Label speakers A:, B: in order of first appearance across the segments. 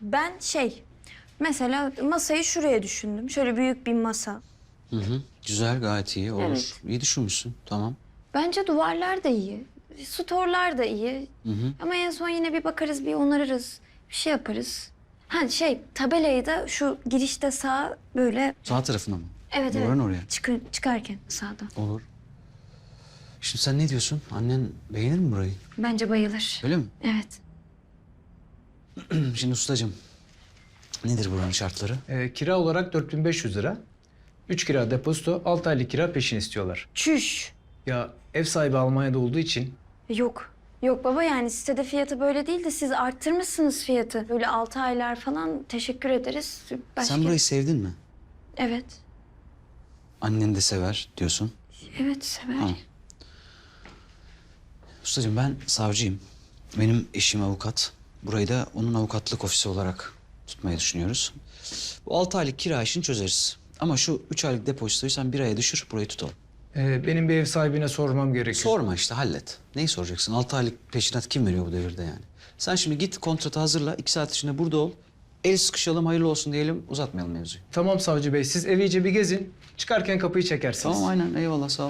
A: Ben mesela masayı şuraya düşündüm. Şöyle büyük bir masa.
B: Hı hı. Güzel, gayet iyi. Olur.
A: Evet.
B: İyi düşünmüşsün. Tamam.
A: Bence duvarlar da iyi. Storlar da iyi.
B: Hı hı.
A: Ama en son yine bir bakarız, bir onarırız. Bir şey yaparız. Ha tabelayı da şu girişte sağ böyle...
B: Sağ tarafına mı?
A: Evet,
B: Duvarın
A: evet.
B: oraya.
A: Çıkarken sağdan.
B: Olur. Şimdi sen ne diyorsun? Annen beğenir mi burayı?
A: Bence bayılır.
B: Öyle mi?
A: Evet.
B: Şimdi ustacığım, nedir buranın şartları?
C: Kira olarak 4500 lira. 3 kira depozito, 6 aylık kira peşin istiyorlar.
A: Çüş.
C: Ya ev sahibi Almanya'da olduğu için
A: Yok. Yok baba, yani sitede fiyatı böyle değil de siz arttırmışsınız fiyatı. Böyle 6 aylar falan, teşekkür ederiz.
B: Sen burayı sevdin mi?
A: Evet.
B: Annen de sever diyorsun.
A: Evet, sever.
B: Tamam. Ustacığım, ben savcıyım. Benim eşim avukat. Burayı da onun avukatlık ofisi olarak tutmayı düşünüyoruz. Bu 6 aylık kira işini çözeriz. Ama şu 3 aylık depozitoyu sen 1 aya düşür, burayı tutalım.
C: benim bir ev sahibine sormam gerekiyor.
B: Sorma işte, hallet. Neyi soracaksın? 6 aylık peşinat kim veriyor bu devirde yani? Sen şimdi git kontratı hazırla, 2 saat içinde burada ol. El sıkışalım, hayırlı olsun diyelim, uzatmayalım mevzuyu.
C: Tamam savcı bey, siz evi iyice bir gezin. Çıkarken kapıyı çekersiniz.
B: Tamam, aynen, eyvallah, sağ ol.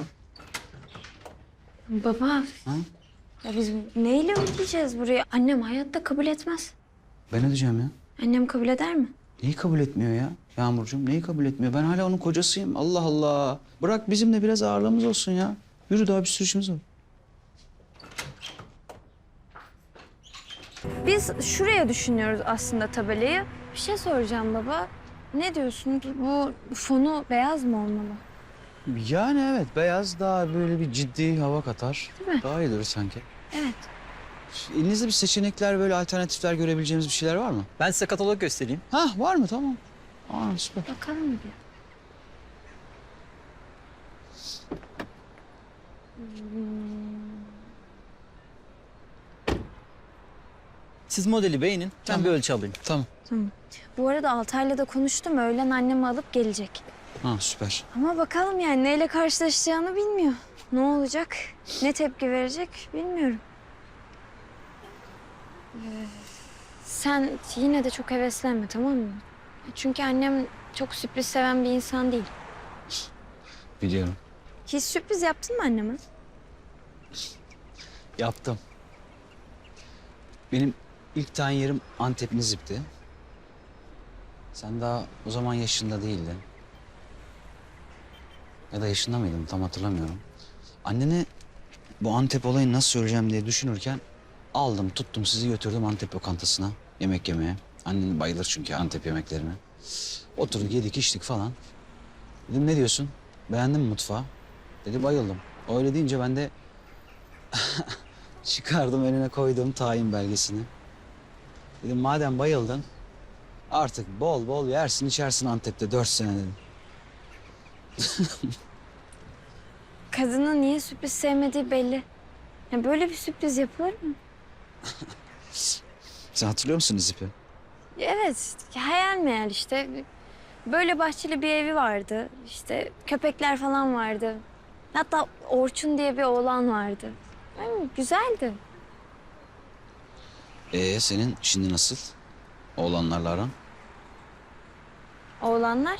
A: Baba.
B: Ha?
A: Ya biz neyle ödeyeceğiz burayı? Annem hayatta kabul etmez.
B: Ben ödeyeceğim ya.
A: Annem kabul eder mi?
B: Neyi kabul etmiyor ya Yağmurcuğum? Neyi kabul etmiyor? Ben hala onun kocasıyım. Allah Allah. Bırak bizim de biraz ağırlığımız olsun ya. Yürü, daha bir sürü işimiz var.
A: Biz şuraya düşünüyoruz aslında tabelayı. Bir şey soracağım baba. Ne diyorsun? Bu fonu beyaz mı olmalı?
B: Yani evet, beyaz daha böyle bir ciddi hava katar.
A: Değil mi?
B: Daha iyi durur sanki.
A: Evet.
B: Elinizde bir seçenekler, böyle alternatifler görebileceğimiz bir şeyler var mı?
D: Ben size katalog göstereyim.
B: Hah, var mı? Tamam. Aa, süper.
A: Bakalım bir.
D: Siz modeli beğenin, ben
B: Tamam.
D: bir ölçü alayım.
B: Tamam.
A: Tamam. Bu arada Altay'la da konuştum. Öğlen annemi alıp gelecek.
B: Ha, süper.
A: Ama bakalım yani neyle karşılaşacağını bilmiyor. Ne olacak? Ne tepki verecek bilmiyorum. Sen yine de çok heveslenme, tamam mı? Çünkü annem çok sürpriz seven bir insan değil.
B: Biliyorum.
A: Hiç sürpriz yaptın mı anneme?
B: Yaptım. Benim ilk tayin yerim Antep Nizip'ti. Sen daha o zaman yaşında değildin. Ya da yaşında mıydın, tam hatırlamıyorum. Annene bu Antep olayını nasıl söyleyeceğim diye düşünürken aldım, tuttum, sizi götürdüm Antep lokantasına yemek yemeye. Annen bayılır çünkü Antep yemeklerine. Oturduk, yedik, içtik falan. Dedim, ne diyorsun? Beğendin mi mutfağı? Dedi, bayıldım. Öyle deyince ben de çıkardım, önüne koydum tayin belgesini. Dedim, madem bayıldın artık bol bol yersin içersin Antep'te 4 sene dedim.
A: Kadının niye sürpriz sevmediği belli. Ya böyle bir sürpriz yapılır mı?
B: Sen hatırlıyor musun Nizip'i?
A: Evet, hayal meyal işte. Böyle bahçeli bir evi vardı. İşte köpekler falan vardı. Hatta Orçun diye bir oğlan vardı. Yani güzeldi.
B: Senin şimdi nasıl? Oğlanlarla aran?
A: Oğlanlar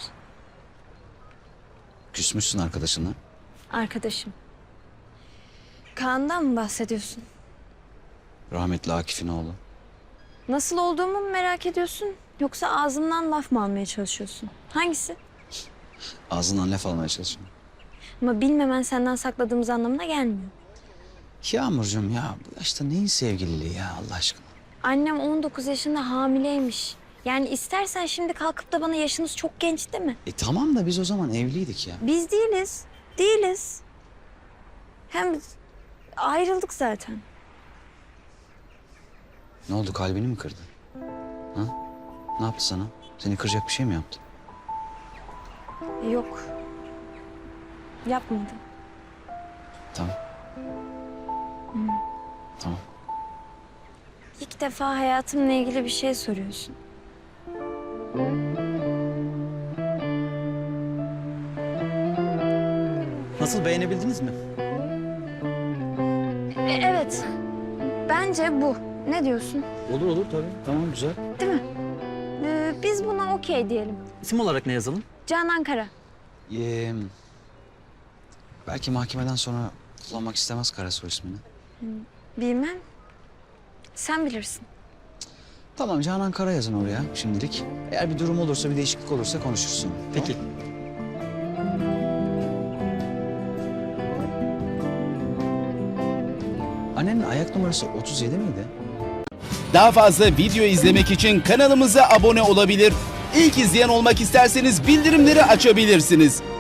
B: Küsmüşsün arkadaşınla.
A: arkadaşım. Kaan'dan mı bahsediyorsun?
B: Rahmetli Akif'in oğlu.
A: Nasıl olduğumu mu merak ediyorsun? Yoksa ağzımdan laf mı almaya çalışıyorsun? Hangisi?
B: Ağzından laf almaya çalışıyorum.
A: Ama bilmemen senden sakladığımız anlamına gelmiyor.
B: Yağmurcuğum ya, bu yaşta neyin sevgililiği ya Allah aşkına?
A: Annem 19 yaşında hamileymiş. Yani istersen şimdi kalkıp da bana yaşınız çok genç değil mi?
B: Tamam da biz o zaman evliydik ya.
A: Biz değiliz. Değiliz. Hem ayrıldık zaten.
B: Ne oldu, kalbini mi kırdı? Ha? Ne yaptı sana? Seni kıracak bir şey mi yaptı?
A: Yok. Yapmadı.
B: Tamam. Tamam.
A: İlk defa hayatımla ilgili bir şey soruyorsun.
D: Nasıl, beğenebildiniz mi?
A: Evet. Bence bu. Ne diyorsun?
B: Olur olur tabii. Tamam, güzel.
A: Değil mi? Biz buna okey diyelim.
D: İsim olarak ne yazalım?
A: Canan Kara.
B: Belki mahkemeden sonra kullanmak istemez Karasoy ismini.
A: Bilmem. Sen bilirsin.
B: Tamam, Canan Kara yazın oraya şimdilik. Eğer bir durum olursa, bir değişiklik olursa konuşursun.
D: Peki.
B: Annenin ayak numarası 37 miydi?
E: Daha fazla video izlemek için kanalımıza abone olabilir. İlk izleyen olmak isterseniz bildirimleri açabilirsiniz.